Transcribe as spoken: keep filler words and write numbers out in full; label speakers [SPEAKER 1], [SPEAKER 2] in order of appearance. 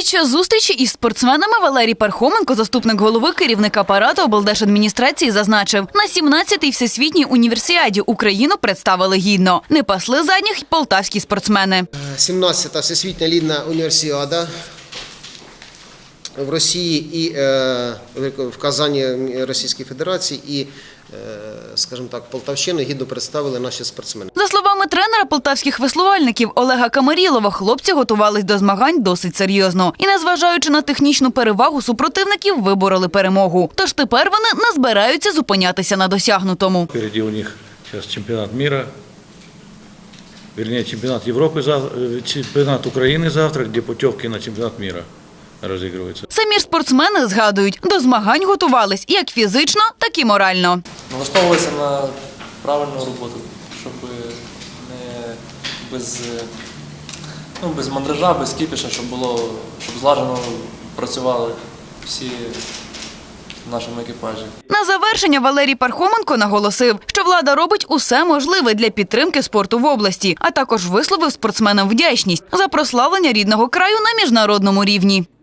[SPEAKER 1] Під час зустрічі із спортсменами Валерій Пархоменко, заступник голови керівника апарату облдержадміністрації, зазначив, на сімнадцятій всесвітній універсіаді Україну представили гідно. Не пасли задніх й полтавські спортсмени.
[SPEAKER 2] сімнадцята всесвітня лідна універсіада в Росії і е, в Казані Російської Федерації і, е, скажімо так, Полтавщину гідно представили наші спортсмени.
[SPEAKER 1] За словами тренера полтавських веслувальників Олега Камарілова, хлопці готувались до змагань досить серйозно. І, незважаючи на технічну перевагу супротивників, вибороли перемогу. Тож тепер вони не збираються зупинятися на досягнутому.
[SPEAKER 3] Впереди у них зараз чемпіонат світу, вернее, чемпіонат Європи, чемпіонат України завтра, де путівки на чемпіонат світу розігруються.
[SPEAKER 1] Самі ж спортсмени згадують, до змагань готувались як фізично, так і морально.
[SPEAKER 4] Налаштовувалися на правильну роботу, щоб не без, ну, без мандража, без кіпіша, щоб було, щоб злажено працювали всі в нашому екіпажі.
[SPEAKER 1] На завершення Валерій Пархоменко наголосив, що влада робить усе можливе для підтримки спорту в області, а також висловив спортсменам вдячність за прославлення рідного краю на міжнародному рівні.